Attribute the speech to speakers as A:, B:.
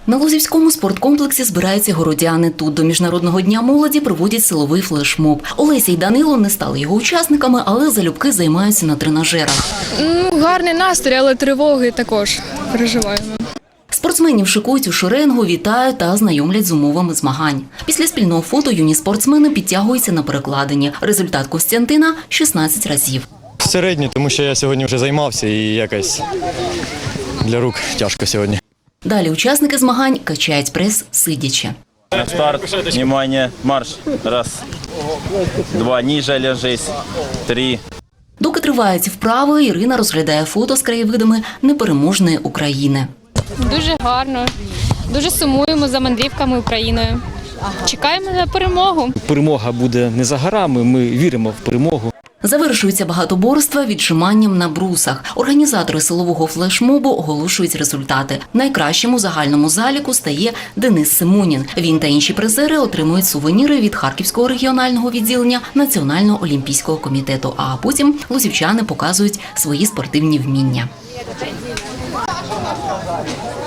A: На Лозівському спорткомплексі збираються городяни. Тут до Міжнародного дня молоді проводять силовий флешмоб. Олеся й Данило не стали його учасниками, але залюбки займаються на тренажерах.
B: Гарний настрій, але тривоги також переживаємо.
A: Спортсменів шикують у шеренгу, вітають та знайомлять з умовами змагань. Після спільного фото юні спортсмени підтягуються на перекладині. Результат Костянтина – 16 разів.
C: Середньо, тому що я сьогодні вже займався і якось для рук тяжко сьогодні.
A: Далі учасники змагань качають прес сидячи.
D: На старт, внимание, марш. Раз, два, ниже ложись, три.
A: Доки тривають вправи, Ірина розглядає фото з краєвидами непереможної України.
E: Дуже гарно, дуже сумуємо за мандрівками Україною. Чекаємо на перемогу.
F: Перемога буде не за горами, ми віримо в перемогу.
A: Завершується багатоборство віджиманням на брусах. Організатори силового флешмобу оголошують результати. Найкращим у загальному заліку стає Денис Симонін. Він та інші призери отримують сувеніри від Харківського регіонального відділення Національного олімпійського комітету. А потім лозівчани показують свої спортивні вміння.